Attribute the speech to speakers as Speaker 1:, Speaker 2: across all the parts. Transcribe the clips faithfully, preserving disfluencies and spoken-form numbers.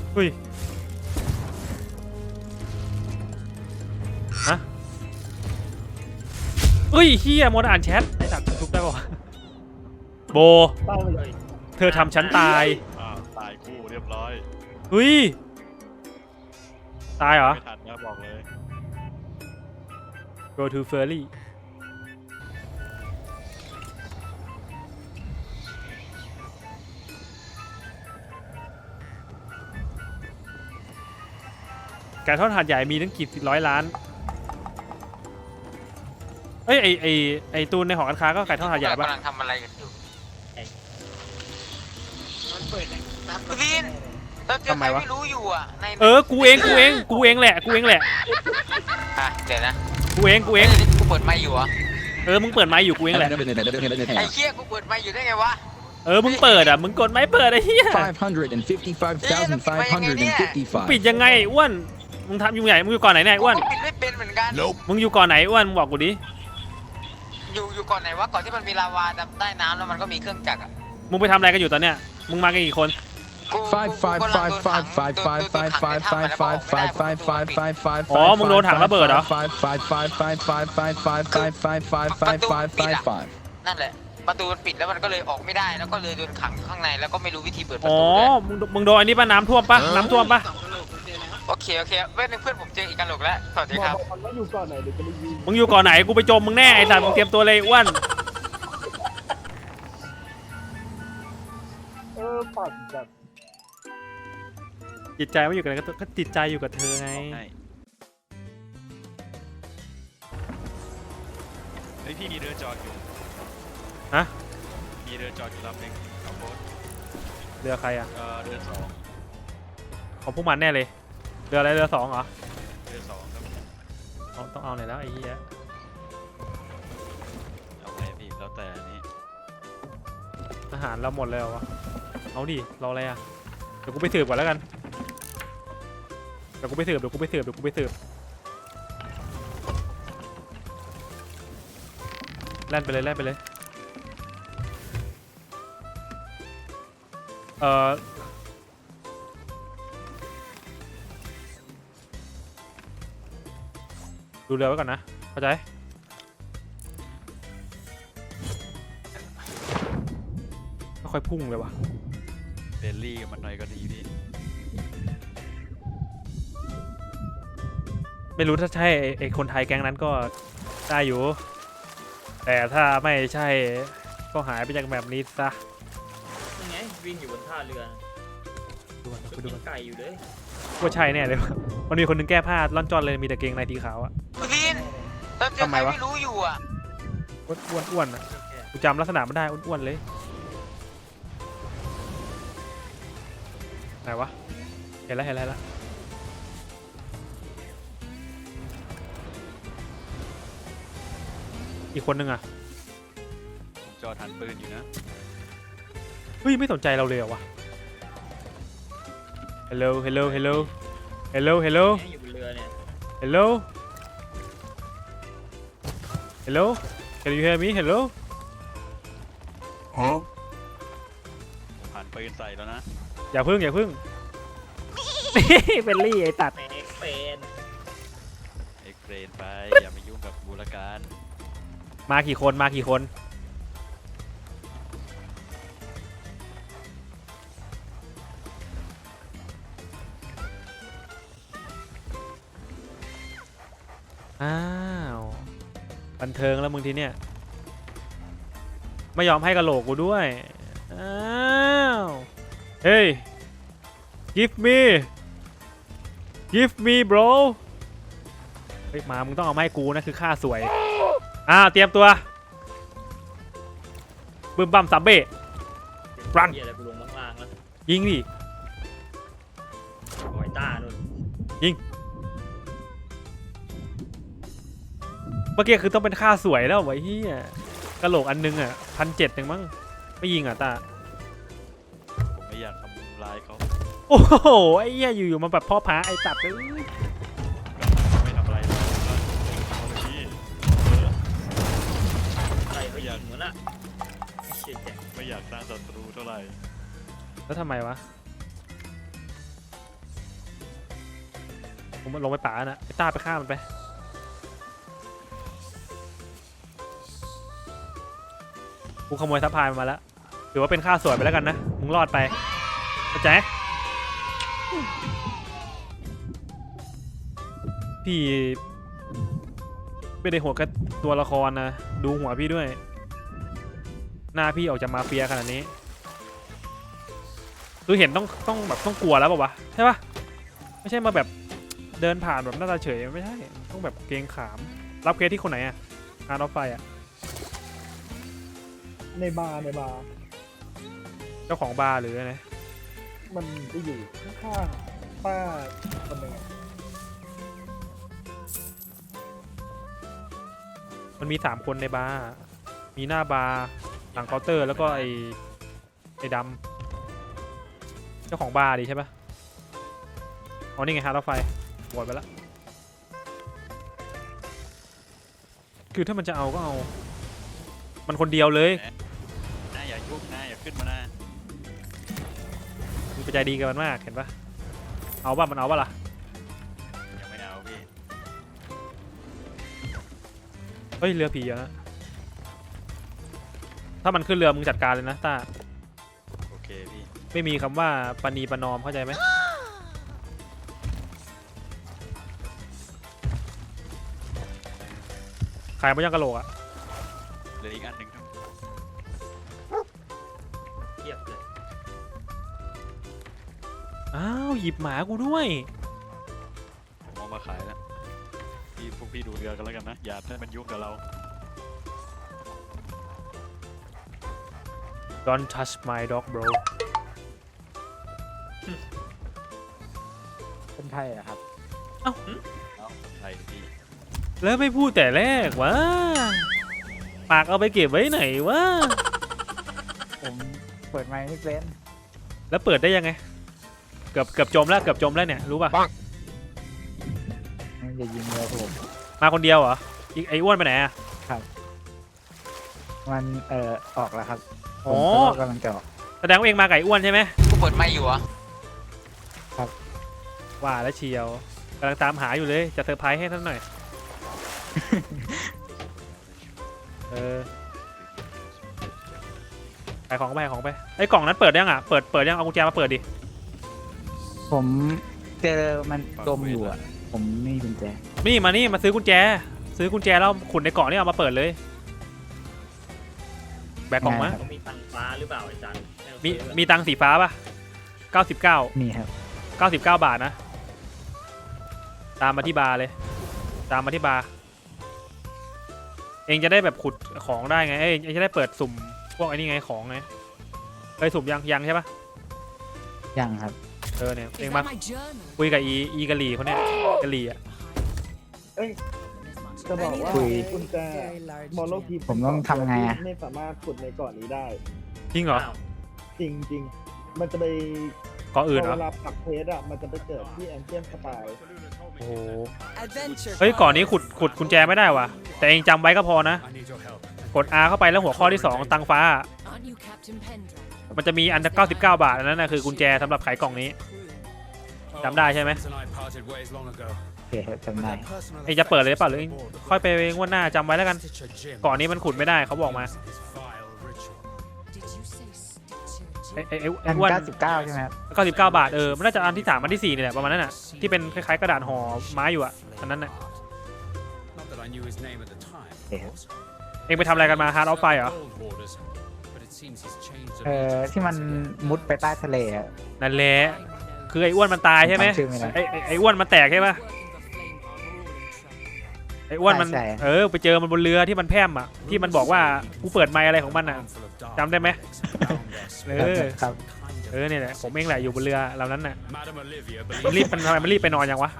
Speaker 1: อุ้ยฮะเฮ้ยเฮียมดอ่านแชทไอ้สัตว์ทุบได้ป่าวโบ
Speaker 2: เป้าไปเลย
Speaker 1: เธอทำฉันตาย
Speaker 3: อ้าวตายคู่เรียบร้อย
Speaker 1: เฮ้ยตายเหรอ
Speaker 3: ไม่ทันนะบอกเลย
Speaker 1: go to ferry ไก่ทอดหาดใหญ่มีตั้งกี่ร้อยล้านเอ้ยไอไอไอตูนในหอการค้าก็ไก่ทอดหาดใหญ่ปะ
Speaker 4: กำลังทำอะไรกันอยู่
Speaker 2: มันเปิดไหนน้ำ
Speaker 4: พี่วินเราเจอใครไม่รู้อยู่อ่ะใน
Speaker 1: เออกูเองกูเองกูเองแหละกูเองแหละ
Speaker 4: อ่ะเดี๋ยวนะ
Speaker 1: กูเองกูเอง
Speaker 4: กูเปิดไมค์อยู่เหรอ
Speaker 1: เออมึงเปิดไมค์อยู่กูเองแหละ
Speaker 4: ไอ้เชี่ยกูเปิดไมค์อยู่ได้ไงวะ
Speaker 1: เออมึงเปิดอ่ะมึงกดไมค์เปิดไอ้เหี้ย
Speaker 5: five hundred fifty-five thousand five hundred
Speaker 1: ปิด
Speaker 5: fifty-five
Speaker 1: ยังไงไอ้อ้วนมึงทำอยู่ไหนมึงอยู่ก่อนไหนเนี่ยไอ้อ้วน
Speaker 4: กูปิดไม่เป็นเหมือนกัน
Speaker 1: มึงอยู่ก่อนไหนอ้วนมึงบอกกูดิ
Speaker 4: อยู่อยู่ก่อนไหนวะก่อนที่มันมีลาวาใต้น้ำแล้วมันก็มีเครื่องจักรอ่ะ
Speaker 1: มึงไปทำอะไรกันอยู่ตอนเนี้ยมึงมากันกี่คน
Speaker 4: กู
Speaker 5: five five five five five five five five five five five five five five five
Speaker 1: อ๋อมึงโดนถังระเบิดเหรอ
Speaker 5: five five five five five five five five five five five five five five
Speaker 4: นั่นแหละประตูมันปิดแล้วมันก็เลยออกไม่ได้แล้วก็เลยโดนขังข้างในแล้วก็ไม่รู้วิธีเปิดประ
Speaker 1: อ๋อ
Speaker 4: ตูเลย
Speaker 1: มึงมึงโดนอันนี้ป่ะน้ำท่วมป่ะน้ำท่วมป่ะ
Speaker 2: สองกระโหลกเจอแล้ว
Speaker 4: โอเคโอเคเว้ยนึงเพื่อนผมเจออีกกะโหลกแล้วสวัสดีครับ
Speaker 2: บอกมันว่าอยู่ก่อนไหนเดี๋ยวจะไปยิง
Speaker 1: มึงอยู่ก่อนไหนกูไปจมมึงแน่ไอ้สัตว์มึงเตรียมตัวเลยอ้วน
Speaker 2: เออปัดแบบ
Speaker 1: จิตใจไม่อยู่กับอะไรก็จิตใจอยู่กับเธอไง
Speaker 3: ให้เฮ้ยพี่มีเรือจอดอยู่
Speaker 1: ฮะ
Speaker 3: มีเรือจอดอยู่ลำหนึ่งขับรถ
Speaker 1: เรือใครอ่ะ
Speaker 3: เออเรือสอง
Speaker 1: ของพวกมันแน่เลยเรืออะไรเรือสองเหรอ
Speaker 3: เรือสองครับ
Speaker 1: เอาต้องเอาไหนแล้วไอ้เหี้ย
Speaker 3: เอาไงพี่แล้วแต่อันนี้
Speaker 1: อาหารเราหมดเลยเหรอวะเอาดิรออะไรอ่ะเดี๋ยวกูไปสืบก่อนแล้วกันเดี๋ยวกูไปสืบเดี๋ยวกูไปสืบเดี๋ยวกูไปสืบแล่นไปเลยแล่นไปเลยเอ่อดูเรือไว้ก่อนนะเข้าใจไม่ค่อยพุ่งเลยวะ
Speaker 3: เบลลี่กับมันหน่อยก็ดีพี่
Speaker 1: ไม่รู้ถ้าใช่ไอ้ไอ้คนไทยแก๊งนั้นก็ได้อยู่แต่ถ้าไม่ใช่ก็หายไปจากแบบนี้ซะ
Speaker 6: ยังไงวิ่งอยู่บนท่าเรือ
Speaker 1: ดูกัน
Speaker 6: ก็
Speaker 1: ไปดู
Speaker 6: กิ
Speaker 1: กัน น
Speaker 6: ไก่อยู่เลย
Speaker 1: ว่าใช่แน่เลยวะมันมีคนหนึงแก้ผ้าล่อนจอนเลยมีแต่เกงในสีขาวอะ
Speaker 4: พี่วินเราเจอ
Speaker 1: ทำ
Speaker 4: ใค
Speaker 1: ไม
Speaker 4: ร
Speaker 1: วะ
Speaker 4: ไม่รู้อยู่อ่ะ
Speaker 1: อ้วนอ้วนอ้วนอะกูจำลักษณะไม่ได้อ้วนๆเลยไหนวะเห็นแล้วเห็นแล้วเห็นแล้วอีกคนนึงอะ
Speaker 3: ผมจอดหันปืนอยู่นะ
Speaker 1: เฮ้ยไม่สนใจเราเลยเหรอวะ hello hello hello hello hello
Speaker 6: เนี่ยอยู่บนเรือเนี่ย
Speaker 1: hello hello can you hear me hello
Speaker 3: ผมหันปืนใส่แล้วนะ
Speaker 1: อย่าพึ่งอย่าพึ่ง เป็นลี่ไอ้ตัด
Speaker 6: แม็กเป็น
Speaker 3: เอ็กเรนไปอย่าไปยุ่งกับบูรการ
Speaker 1: มากี่คนมากี่คนอ้าวบันเทิงแล้วมึงทีเนี้ยไม่ยอมให้กะโหลกกูด้วยอ้าวเฮ้ย give me give me bro เฮ้ยมามึงต้องเอามาให้กูนะคือค่าสวยอ้าวเตรียมตัวบึ้มบั้มซัมเบ้ รัน
Speaker 6: เหี้ยอะไรกูลงล่างๆแล้ว
Speaker 1: ยิงดิ
Speaker 6: หอยต้านู่น
Speaker 1: เมื่อกี้คือต้องเป็นค่าสวยแล้วไว้เฮียกะโหลกอันนึงอ่ะพันเจ็ดเองมั้งไม่ยิงอ่ะตา
Speaker 3: ผมไม่อยากทำลายเขา
Speaker 1: โอ้โหไอ้เหี้ยอยู่ๆมาแบบพ่อพาไอ้ตัดเลย
Speaker 3: ไม่ทำอะไรเราก็เอาเลยพี่เออ
Speaker 6: ไก่เขายิงเหมือนละเชี่ยแจ๋ง
Speaker 3: ไม่อยากสร้างศัตรูเท่าไหร่
Speaker 1: แล้วทำไมวะผมลงไปป่านะไอ้ต้าไปฆ่ามันไปกูขโมยซัพพลายมันมาแล้วถือว่าเป็นค่าสวยไปแล้วกันนะมึงรอดไปเข้าใจพี่ไม่ได้หัวแค่ตัวละครนะดูหัวพี่ด้วยหน้าพี่ออกจากมาเฟียขนาดนี้คือเห็นต้องต้องแบบต้องกลัวแล้วป่าวะใช่ปะไม่ใช่มาแบบเดินผ่านแบบหน้าตาเฉยไม่ใช่ต้องแบบเกรงขามรับเคสที่คนไหนอะงานรถไฟอะ
Speaker 2: ในบาร์ในบาร์
Speaker 1: เจ้าของบาร์หรือไง
Speaker 2: มันจะอยู่ข้างๆป้าคนหนึ่งอะ
Speaker 1: มันมีสามคนในบาร์มีหน้าบาร์หลังเคาน์เตอร์แล้วก็ไอไอดำเจ้าของบาร์ดิใช่ปะอ๋อนี่ไงฮะรถไฟหมดไปแล้วคือถ้ามันจะเอาก็เอามันคนเดียวเลย
Speaker 3: น้าอย่ายุบนะอย่าขึ้นมานะ
Speaker 1: มันใจดีกับมันมากเห็นปะเอาป่ะมันเอาป่ะล่ะ
Speaker 3: ยังไม่เอาพี่
Speaker 1: เฮ้ยเรือผีอะนะถ้ามันขึ้นเรือมึงจัดการเลยนะต้า
Speaker 3: โอเคพี่
Speaker 1: ไม่มีคำว่าปณีประนอมเข้าใจไหมขายมายังกะโหลกอะ
Speaker 3: เหลืออีกอันหนึ่งครับ
Speaker 6: เทียบเลย
Speaker 1: อ้าวหยิบหมากูด้วย
Speaker 3: ผมเอามาขายแล้วพี่พวกพี่ดูเรือกันแล้วกันนะอย่าให้มันยุ่งกับเรา
Speaker 1: Don't touch my dog bro
Speaker 7: คนไทยอะครับ
Speaker 3: เอ้าใช่พี่
Speaker 1: แล้วไม่พูดแต่แรกวะปากเอาไปเก็บไว้ไหนวะ
Speaker 7: ผมเปิดไมค์ไม่เป็น
Speaker 1: แล้วเปิดได้ยังไงเกือบเกือบจมแล้วเกือบจมแล้วเนี่ยรู้ป่ะ
Speaker 7: มันจะยิงเรือผม
Speaker 1: มาคนเดียวเหรออีกไอ้อ้วนไปไหนอะ
Speaker 7: มันเอ่อออกแล้วครับผ
Speaker 1: อ๋อ
Speaker 7: มก็กำลังจะออก
Speaker 1: แสดงว่าเองมาไก่อ้วนใช่ไหม
Speaker 4: กูเปิดไมค์อยู่เหรอ
Speaker 1: ว่าแล้วเชียวกำลังตามหาอยู่เลยจะเซอร์ไพรส์ให้ท่านหน่อย เออขายของไปขายของไปไอ้กล่องนั้นเปิดยังอ่ะเปิดเปิดยังเอากุญแจมาเปิดดิ
Speaker 7: ผมเจอมันจมอยู่อะผมไม่มีกุญแจ
Speaker 1: นี่มานี่มาซื้อกุญแจ ซื้อกุญแจแล้วขุนในกล่องนี่เอามาเปิดเลยแบกกล่องมา
Speaker 6: ต้องมีตังฟ้าหรือเปล่าอาจารย์
Speaker 1: มีมีตังค์สีฟ้าป่ะเก้าสิบเก้า
Speaker 7: มีครับ
Speaker 1: เก้าสิบเก้าบาทนะตามมาที่บาร์เลยตามมาที่บาร์เองจะได้แบบขุดของได้ไงเอ้ยเองจะได้เปิดสุ่มพวกไอ้นี่ไงของไงเคยสุ่มยังยังใช่ปะ
Speaker 7: ยังครับ
Speaker 1: เออเนี่ยเอง
Speaker 8: Is
Speaker 1: มา
Speaker 8: that my journal?
Speaker 1: คุยกับอีอีกะหรี่เขาเนี่ยกะหรี่อ่ะ
Speaker 2: เอ้ยจะบอกว่า
Speaker 7: คุย
Speaker 2: กุญแจมอลโลพี
Speaker 7: ผมต้องทำไงอะ
Speaker 2: ไม่สามารถขุดในเกาะนี้ได้
Speaker 1: จริงเหรอ
Speaker 6: อ้าว
Speaker 2: จริงจริงๆ มันจะไป
Speaker 1: เกาะอื่นเหร
Speaker 2: เว
Speaker 1: อ
Speaker 2: ลาปักเพจอะมันจะไปเกิดที่แอนเจียนสปาย
Speaker 1: โอ้โห
Speaker 8: Adventure
Speaker 1: เฮ้ย
Speaker 8: time.
Speaker 1: ก่อนนี้ขุดขุดกุญแจไม่ได้ว่ะแต่เองจำไว้ก็พอนะกด R เข้าไปแล้วหัวข้อที่สองตังฟ้า
Speaker 8: Aren't you Captain Pendragon?
Speaker 1: มันจะมีอันเก้าสิบเก้าบาทอันนั้นนะคือกุญแจสำหรับไขกล่องนี้ จำได้ใช่ไหม
Speaker 7: โอเคครับจำได้
Speaker 1: เองจะเปิดเลยเปล่าหรือเองค่อยไปงวดหน้าจำไว้แล้วกันก่อนนี้มันขุดไม่ได้เขาบอกมา
Speaker 8: Did you say Stitcher
Speaker 1: ไอ้ไอ้ไอ้
Speaker 7: อั
Speaker 1: ไอ้
Speaker 7: น
Speaker 1: อ้วน
Speaker 7: เก้าสิบเก้าใช่ไหมครับ
Speaker 1: เก้าสิบเก้าบาทเออมันน่าจะอันที่สามอันที่สี่นี่แหละประมาณนั้นน่ะที่เป็นคล้ายๆกระดาษห่อไม้อยู่อ่ะอันนั้นน่ะ
Speaker 7: โอเคครับ
Speaker 1: เองไปทำอะไรกันมาฮาร์ดออฟไฟเหรอ
Speaker 7: เอ่อที่มันมุดไปใต้ทะเลอะ
Speaker 1: นั่นแหละคือไอ้อ้วนมันตายใช่ไหม
Speaker 7: จำชื่อไม่ได้
Speaker 1: ไอ้ไอ้ไอ้อ้วนมันแตกใช่ปะ
Speaker 8: working for Flame Farm, we're all in trouble.
Speaker 1: ไอ้อ้วนมัน
Speaker 7: ใช่
Speaker 1: เออไปเจอมันบนเรือที่มันแพร่มอ่ะที่มันบอกว่ากูเปิดไมค์อะไรของมันอ่ะจำได้ไหมเออ
Speaker 7: ครับ
Speaker 1: เออเนี่ยแหละผมเองแหละอยู่บนเรือลำนั้นน่ะมันรีบมันทำไมมันรีบไปนอนยังวะ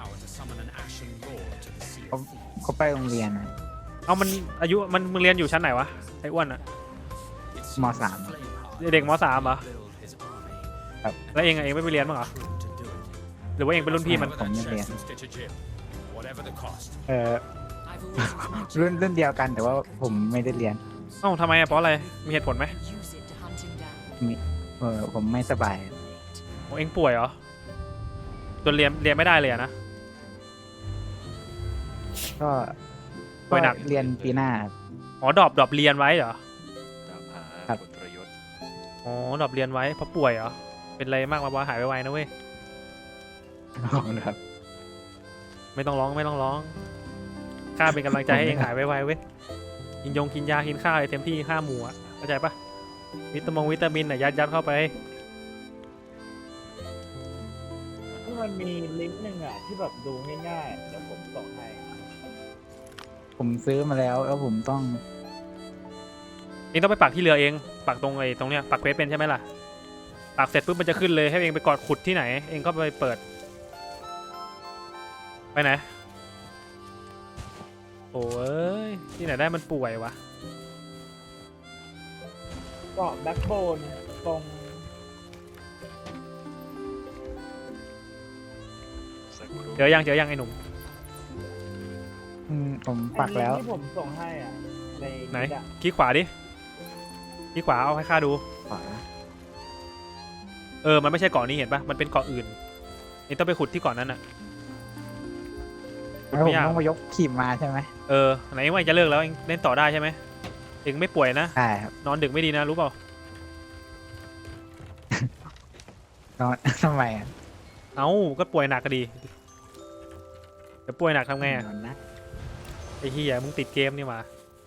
Speaker 7: เขาไปโรงเรียนอะ
Speaker 1: เอามันอายุมันมึงเรียนอยู่ชั้นไหนวะไอ้อ้วนอ่ะ
Speaker 7: มสาม
Speaker 1: เด็กมสามเหรอ
Speaker 7: ครับ
Speaker 1: แล้วเองอะเองไม่ไปเรียนมั้างเหรอหรือว่าเองเป็นรุ่นพี่มัน
Speaker 7: ผมไม่เรียนเอ่อ
Speaker 8: I've always used my
Speaker 7: รุ่น
Speaker 8: journal.
Speaker 7: รุ่นเดียวกันแต่ว่าผมไม่ได้เรียน
Speaker 1: เอ้าทำไมอะเพราะอะไรมีเหตุผลไหม
Speaker 8: Use it to hunt him down.
Speaker 7: เออผมไม่สบาย
Speaker 1: โอ้เองป่วยเหรอจนเรียนเรียนไม่ได้เลยอะนะ
Speaker 7: ก็
Speaker 1: ป่วยหนัก
Speaker 7: เรียนปีหน้าครับ
Speaker 1: อ๋อดรอปดรอปเรียนไว้เหรอ
Speaker 3: ตามหา
Speaker 7: ครับ
Speaker 3: ผลประโยชน์
Speaker 1: อ๋อดรอปเรียนไว้เพราะป่วยเหรอเป็นอะไรมากมาว่าหายไวๆนะเว้ย
Speaker 7: ครับ
Speaker 1: ไม่ต้องร้องไม่ต้องร้องข้าเป็นกำลังใจให้เองหายไวๆเว้ยกินยงกินยากินข้าวอะไรเต็มที่ห้าหมู่อะเข้าใจปะวิตามงวิตามินน่ะยัดยัดเข้าไป
Speaker 2: ที่มันมีลิงก์หนึ่งอ่ะที่แบบดูง่ายๆแล้วผมส่งให้
Speaker 7: ผมซื้อมาแล้วแล้วผมต้อง
Speaker 1: เองต้องไปปักที่เรือเองปักตรงไอ้ตรงเนี้ยปักเควสเป็นใช่ไหมล่ะปักเสร็จปุ๊บมันจะขึ้นเลยให้เองไปกอดขุดที่ไหน เองก็ไปเปิดไปไหนโอ้ยที่ไหนได้มันป่วยวะ
Speaker 2: เกาะแบ็คโบนตรง
Speaker 3: สักครู่
Speaker 1: เจอยังเจอยังไอ้หนุ่ม
Speaker 7: อืมผมปักแล้ว
Speaker 2: ไอ้ลิงก์ที่ผมส่งให้อ่ะใน
Speaker 1: ไหน
Speaker 2: ลิงก์อะ
Speaker 1: คลิกขวาดิคลิกขวาเอาให้ข้าดู
Speaker 7: ขวา
Speaker 1: เออมันไม่ใช่เกาะนี้เห็นปะมันเป็นเกาะอื่นเองต้องไปขุดที่เกาะนั้นอ่ะ
Speaker 7: แล้วผม
Speaker 1: ไม่ยาก
Speaker 7: ต้องมายกขีมมาใช่ไหม
Speaker 1: เออไหนว่าจะเลิกแล้วเองเล่นต่อได้ใช่ไหมเองไม่ป่วยนะ
Speaker 7: ใช่ครับ
Speaker 1: นอนดึกไม่ดีนะรู้เปล่า
Speaker 7: นอน ทำไมอ่ะ
Speaker 1: เอ้าก็ป่วยหนักก็ดีเดี๋ยวป่วยหนักทำไงอ่ะ
Speaker 7: นอนนะ
Speaker 1: ไอ้เหี้ยมึงติดเกมนี่มา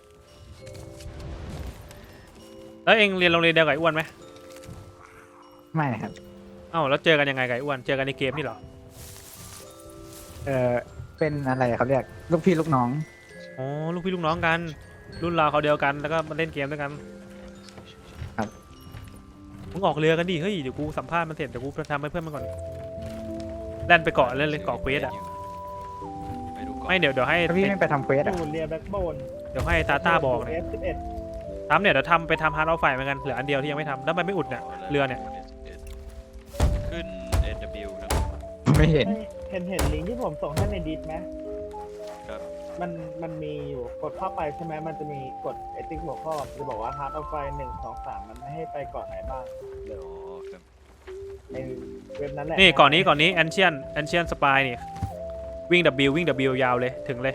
Speaker 1: แล้วเองเรียนโรงเรียนเดียวกับไอ้อ้วนไหม
Speaker 7: ไม่ครับ
Speaker 1: เอ้าแล้วเจอกันยังไงกับไอ้อ้วนเจอกันในเกมนี่เหรอ
Speaker 7: เออเป็นอะไรเขาเรียกลูกพี่ลูกน้อง
Speaker 1: อ๋อลูกพี่ลูกน้องกัน รุ่นราวเขาวเดียวกันแล้วก็มาเล่นเกมด้วยกัน
Speaker 7: ครับ
Speaker 1: มึงออกเรือกันดิเฮ้ยเดี๋ยวกูสัมภาษณ์มันเสร็จเดี๋ยวกูทำให้เพื่อนมันก่อนแล่นไปเกาะเล่นเลยเกาะเควสอ่ะ
Speaker 3: ไม่รู้ก่อน
Speaker 1: ไม่เดี๋ยวเดี๋ยวให้
Speaker 7: ถ้าพี่ไม่ไปทำเควส
Speaker 2: อ
Speaker 7: อ่ะ
Speaker 2: ยู่เรียแบ็คโบน
Speaker 1: เดี๋ยวให้ตาต้าบอกเนี่ย
Speaker 2: เอฟสิบเอ็ด
Speaker 1: ทำเนี่ยเดี๋ยวทำไปทำฮาร์ดออฟไฟเหมือนกันเหลืออันเดียวที่ยังไม่ทำแล้วมันไม่อุดเนี่ยเรือเนี่ย
Speaker 3: ขึ้น เอ็น ดับเบิลยู ครับ
Speaker 7: ไม่เห็น
Speaker 2: เห็นเห็นลิงก์ที่ผมส่งให้ในดิสไหม
Speaker 3: ครับ
Speaker 2: มันมันมีอยู่กดเข้าไปใช่ไหมมันจะมีกดไอติ๊กหัวข้อจะบอกว่าฮาร์ดออฟไฟหนึ่งสองสามมันไม่ให้ไปเกาะไหนบ้างเดี๋ยว
Speaker 3: อ๋อครับ
Speaker 2: ในเว็บนั้นแหละ
Speaker 1: นี่ก่อนนี้ก่อนนี้แอนเชียนแอนเชียนสปายนี่วิ่ง W วิ่ง W ยาวเลยถึงเลย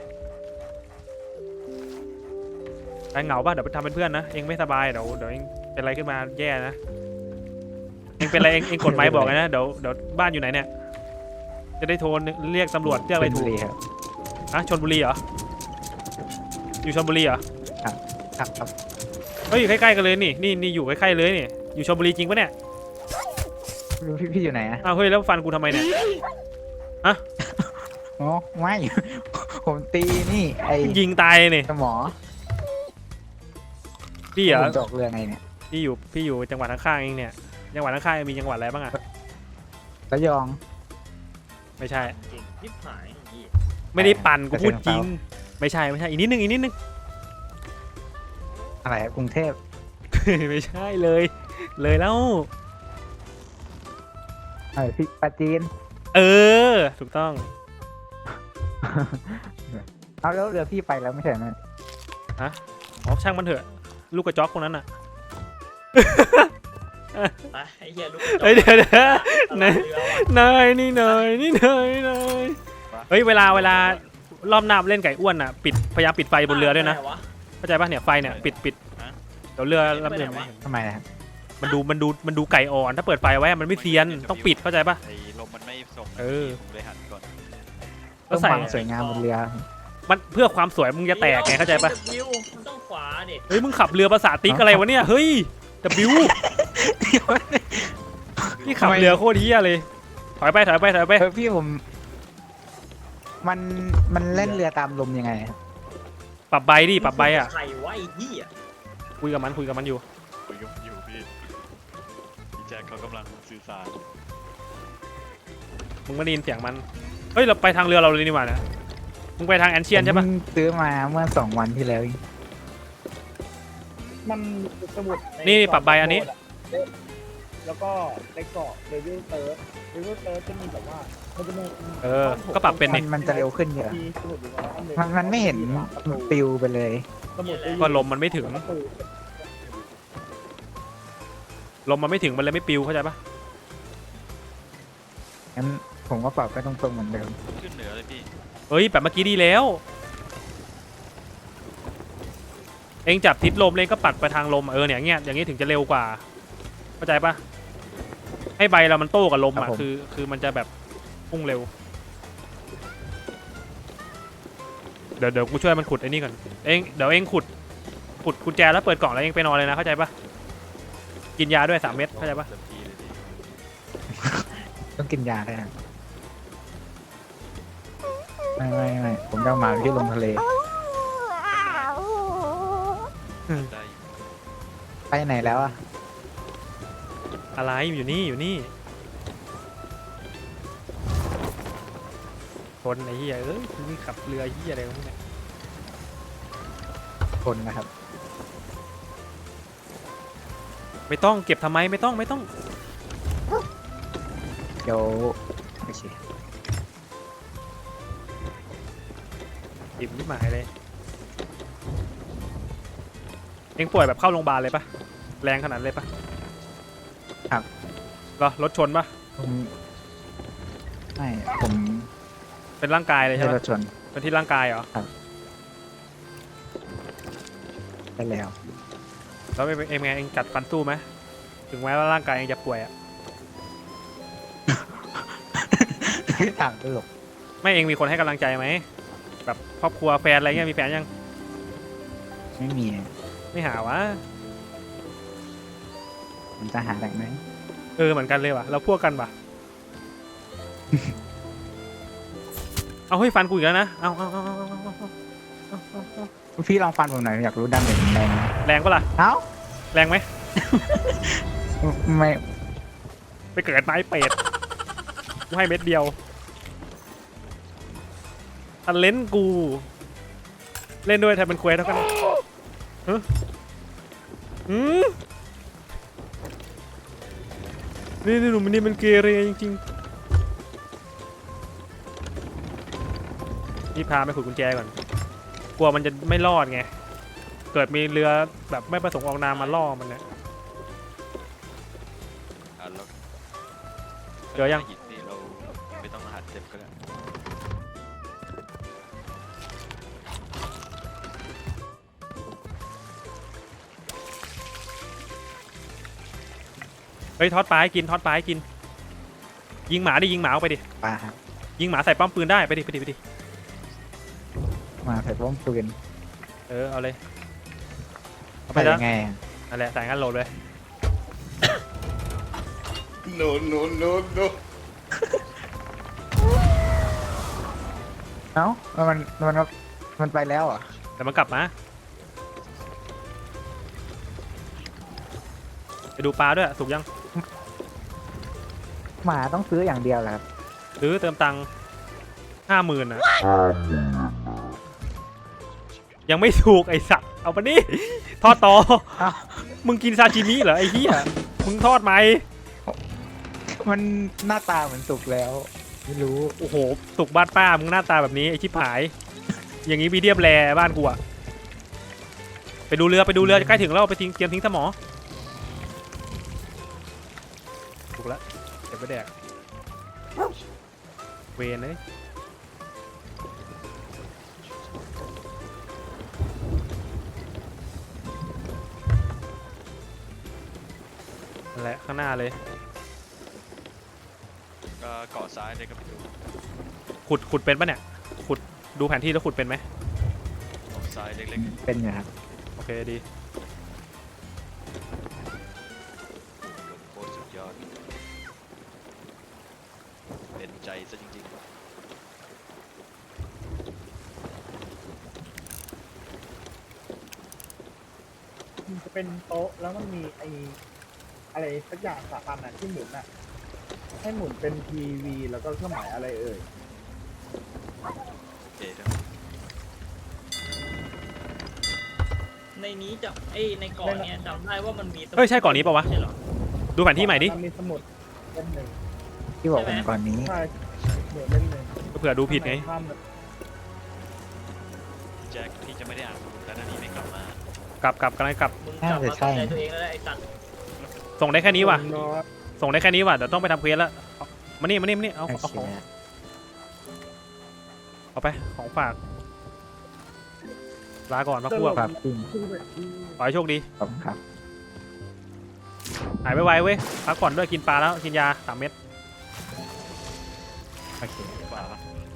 Speaker 1: ไอ้เหงาป่ะเดี๋ยวไปทำเป็นเพื่อนนะเองไม่สบายเดี๋ยวเดี๋ยวเองเป็นอะไรขึ้นมาแย่นะเองเป็นอะไรเองเองกดไม้บอกเลยนะเดี๋ยวเดี๋ยวบ้านอยู่ไหนเนี่ยจะได้โทรเรียกตำรวจเรียกอะไรถูก
Speaker 7: ชลบุรีครับ
Speaker 1: อะชลบุรีเหรออยู่ชลบุรีเหรอ
Speaker 7: ครับครับ
Speaker 1: เฮ้ยอยู่ใกล้ๆกันเลยนี่นี่นี่อยู่ใกล้ๆเลยนี่อยู่ชลบุรีจริงปะเนี่ย
Speaker 7: พี่พี่อยู่ไหนอ่ะ
Speaker 1: อ้าวเฮ้ยแล้วฟันกูทำไมเนี่ย
Speaker 7: อ๋อไม่ ผมตีนี่ไอ้
Speaker 1: ยิงตายเลยนี่
Speaker 7: สมอ
Speaker 1: พี่เหรอ
Speaker 7: ผมจอกเรือไงเนี่ย
Speaker 1: พี่อยู่พี่อยู่จังหวัดข้างๆเองเนี่ยจังหวัดข้างๆมีจังหวัดอะไรบ้างอะ
Speaker 7: ระยอง
Speaker 1: ไม่ใช่
Speaker 6: เก่งยิบหายอย่างนี้
Speaker 1: ไม่ได้ปั่นกูพูดจริง
Speaker 7: เกษตรของ
Speaker 1: ไม่ใช่ไม่ใช่อีกนิดนึงอีกนิดนึง
Speaker 7: อะไรครับกรุงเทพ
Speaker 1: ไม่ใช่เลย เลยแล้ว
Speaker 7: เออพี่ปาจีน
Speaker 1: เออ ถูกต้อง
Speaker 7: เอาแล้วเรือพี่ไปแล้วไม่ใช่ไหม
Speaker 1: อ๋อช่างมันเถอะ ลูกกระจอกคนนั้นอ่ะ
Speaker 6: ไปไอ้เหี้ยลูก
Speaker 1: เฮ้ยเดี๋ยวเดี๋ยว
Speaker 6: ไหน
Speaker 1: นายนี่นายนี่นายนายเฮ้ยเวลาเวลารอบหน้าเล่นไก่อ้วนอ่ะปิดพยายามปิดไฟบนเรือด้วยนะเข้าใจป่ะเนี่ยไฟเนี่ยปิดปิดเดี๋ยวเรือลำอื่นไม่เห็น
Speaker 7: ทำไมนะครับ
Speaker 1: มันดูมันดูมันดูไก่อ่อนถ้าเปิดไฟไว้อะมันไม่เซียนต้องปิดเข้าใจป่ะ
Speaker 3: ไอ้ลมมันไม่ส่ง
Speaker 1: เออ
Speaker 3: ผมเลยหันก่อน
Speaker 1: ก็
Speaker 7: ต้อง
Speaker 1: ใส่
Speaker 7: ความสวยงามบนเรือ
Speaker 1: มันเพื่อความสวยมึงจะแตกไงเข้าใจป่ะ
Speaker 6: วิวมันต้องขวาดิ
Speaker 1: เฮ้ยมึงขับเรือภาษาติ๊กอะไรวะเนี่ยเฮ้ย W นี่ขับเรือโคตรเฮี้ยเลยถอยไปถอยไปถอยไป
Speaker 7: เออพี่ผม มันมันเล่นเรือตามลมยังไงครับ
Speaker 1: ปรับใบดิปรับใบอ่ะ
Speaker 6: ใครวะไอ้เหี้ย
Speaker 1: คุยกับมันคุยกับมันอยู่
Speaker 3: คุยกับอยู่พี่พี่แจ็คเขากำลังสื่อสาร
Speaker 1: มึงไม่ได้ยินเสียงมันเฮ้ยเราไปทางเรือเราเลยนี่หว่านะมึงไปทางแอนเชียนใช่
Speaker 7: ผ
Speaker 1: ปะ
Speaker 7: มซื้อมาเมื่อสองวันที่แล้วเอง
Speaker 2: มันสมุดใ
Speaker 1: นี่ปรับใบอันนี้
Speaker 2: แล้วก็ในเกาะเดวิลเติร์ดเดวิลเติร์ดจะมีแบบว่ามันจะมี
Speaker 1: เออก็ปรับเป็น
Speaker 7: มั
Speaker 1: นี่
Speaker 7: นมันจะเร็วขึ้นเยอะ
Speaker 2: มีสมุดอยู่ประมาณหง
Speaker 7: มันมันไม่เห็นปลิวไปเลย
Speaker 2: สมุด
Speaker 1: ก็ลมมันไม่ถึง ลมมันไม่ถึงมันเลยไม่ปิวเข้าใจปะ
Speaker 7: งั้นผมก็ปรับไปตรงๆเหมือนเดิม
Speaker 3: ขึ้นเหนือเลยพี่
Speaker 1: เฮ้ยแบบเมื่อกี้ดีแล้วเองจับทิศลมเองก็ปัดไปทางลมอะเออเนี่ยเงี้ยอย่างงี้ถึงจะเร็วกว่าเข้าใจปะให้ใบเรามันโต้กับลมอ่ะคือคือมันจะแบบพุ่งเร็วเดี๋ยวเดี๋ยวกูช่วยมันขุดไอ้นี่ก่อนเองเดี๋ยวเองขุดขุดกุญแจแล้วเปิดกล่องแล้วเองไปนอนเลยนะเข้าใจปะกินยาด้วยสามเม็ดเข้าใจปะ
Speaker 3: เต็มที่เลยดิ
Speaker 7: ต้องกินยาด้วยนะไม่ไม่ไม่ผมจะเอาหมาที่ลงทะเล
Speaker 3: ได้อยู่
Speaker 7: ไปไหนแล้วอ่ะ
Speaker 1: อะไรอยู่นี่อยู่นี่คนไอ้เหี้ยเอ้ยมึงขับเรือเหี้ยอะไรของมึงเนี่ย
Speaker 7: คนนะครับ
Speaker 1: ไม่ต้องเก็บทำไมไม่ต้องไม่ต้อง
Speaker 7: เดี๋ยวโอเค
Speaker 1: อิ่มนิดหมายเลยเอ็งป่วยแบบเข้าโรงพยาบาลเลยปะแรงขนาดเลยปะ
Speaker 7: ครับ
Speaker 1: เหรอรถชนปะ
Speaker 7: ผมไม่ผม
Speaker 1: เป็นร่างกายเลย
Speaker 7: ไม่
Speaker 1: ใช่
Speaker 7: ได้
Speaker 1: ปะ
Speaker 7: รถชน
Speaker 1: เป็นที่ร่างกายเหรอ
Speaker 7: ได้แล้ว
Speaker 1: แล้วเอ็งเอ็งไงเอ็งกัดฟันสู้ไหมถึงแม้ว่าร่างกายเอ็งจะป่วยอะ
Speaker 7: ถามตลก
Speaker 1: ไม่เอ็งมีคนให้กำลังใจไหมแบบครอบครัวแฟนอะไรเงี้ยมีแฟนยัง
Speaker 7: ไม่มี
Speaker 1: ไม่หาวะ
Speaker 7: ผมจะหาได้ไหม
Speaker 1: เออเหมือนกันเลยว่ะเราพวกกันปะ เอาเฮ้ยฟันกูอีกแล้วนะเอาเอาเอาเอาเอาเอาเอา
Speaker 7: พี่ลองฟันผมหน่อยอยากรู้ดาเมจแรงไหม
Speaker 1: แรงปะล่ะ
Speaker 7: เอ้า
Speaker 1: แรงไหม
Speaker 7: ไม่
Speaker 1: ไปเกิดไม้เป็ดกูให้เม็ดเดียวทันเลนกูเล่นด้วยแทนเป็นเควสเท่ากันฮะอืมนี่นี่หนุ่มนี่มันเกเรจริงๆนี่พาไปขุดกุญแจก่อนกลัวมันจะไม่รอดไงเกิดมีเรือแบบไม่ประสงค์ออกนามมาล่อมันเนี่ย
Speaker 3: อ่ะแล้ว
Speaker 1: เจอยัง
Speaker 3: หินนี่เราไม่ต้องหัดเจ็บก็ได้
Speaker 1: เฮ้ยทอดปลาให้กินทอดปลาให้กินยิงหมาดิยิงหมาเอาไปดิ
Speaker 7: ปลาครับ
Speaker 1: ยิงหมาใส่ป้อมปืนได้ไปดิไปดิไปดิ
Speaker 7: มาใส่ป้อมปืน
Speaker 1: เออเอาเลยเอาไป
Speaker 7: ใส่
Speaker 1: แล้
Speaker 7: ยั
Speaker 1: ว
Speaker 7: งไงอะ
Speaker 1: นั่นแหละใส่งั้นโหลดเลย
Speaker 5: no no no no
Speaker 7: เอ้ามันมันมันไปแล้วเหรอ่ะ
Speaker 1: แต่มันกลับมาไปดูปลาด้วยสุกยัง
Speaker 7: หมาต้องซื้ออย่างเดียวแหละครับ
Speaker 1: หรือเติมตังค์ห้าหมื่นนะยังไม่ถูกไอสัตว์เอาไปนี่ทอดต่อ
Speaker 7: เอ้า
Speaker 1: มึงกินซาชิมิเหรอไอ้เหี้ยมึงทอดไหม
Speaker 7: มันหน้าตาเหมือนสุกแล้ว ไม่รู้
Speaker 1: โอ้โหสุกบ้านป้ามึงหน้าตาแบบนี้ไอชิบหาย อย่างนี้มีเดียมแรบ้านกูอะไปดูเรือไปดูเรือใกล้ถึงแล้วไปทิ้งเตรียมทิ้งสมอถูกแล้วเดี๋ยวไปแดกเวนเลยนั่นแหละข้างหน้าเลย
Speaker 3: ก็เกาะซ้ายเลยก็ไปดู
Speaker 1: ขุดขุดเป็นปะเนี่ยขุดดูแผนที่แล้วขุดเป็นไหม
Speaker 3: เกาะซ้ายเล็ก
Speaker 7: เป็นอยู่ครับ
Speaker 1: โอเคดี
Speaker 3: ๆโคตรสุดยอดเป็นใจซะจริงๆ
Speaker 2: มันจะเป็นโต๊ะแล้วมันมีไออะไรสักอย่างสามอันน่ะที่หมุนอ่ะ ให้หมุนเป็นทีวีแล้วก็เครื่องหมายอะไรเอ่ย
Speaker 3: โอเคครับ
Speaker 6: ในนี้จะไอ้ในเกาะเนี่ยจำได้ว่ามันมี
Speaker 1: เฮ้ยใช่เกาะนี้ปะวะ
Speaker 6: ใช่เหรอ
Speaker 1: ดูแผนที่ใหม่ดิ
Speaker 2: มันมีสมุดเล่มหนึ่ง
Speaker 7: ที่บอกผมก่อนนี้
Speaker 2: ใช่เหมือนเล่มหนึ่ง
Speaker 1: เผื่อดูผิดไง
Speaker 2: ข้างในถ้
Speaker 3: แจ็คพี่จะไม่ได้อ่านแล้วนะนี่ไม่กลับมาก
Speaker 1: ลับกลับกำลังกลับ
Speaker 6: มึงกลับมาเข้าใจตัวเองแล้วแหละไอ้สัตว์
Speaker 1: ส่งได้แค่นี้
Speaker 2: ำ
Speaker 1: ว่ะ
Speaker 2: น้อย
Speaker 1: ส่งได้แค่นี้ว่ะเดี๋ยวต้องไปทำเควสแล้วเอามานี่มานี่มานี่เอา
Speaker 7: โอ
Speaker 1: เอา
Speaker 7: เค
Speaker 1: ของเอาไปของฝากลาก่อนพักพวก
Speaker 7: ครับจริง
Speaker 1: ขอให้โชคดี
Speaker 7: ขอบคุณครับ
Speaker 1: หายไวๆเว้ยพักผ่อนด้วยกินปลาแล้วกินยาสามเม็ด
Speaker 7: โอเค
Speaker 3: กว่าละ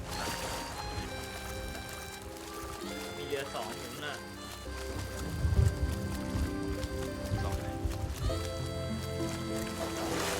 Speaker 6: มีเรือสองหมุนน่ะ
Speaker 3: สองไหน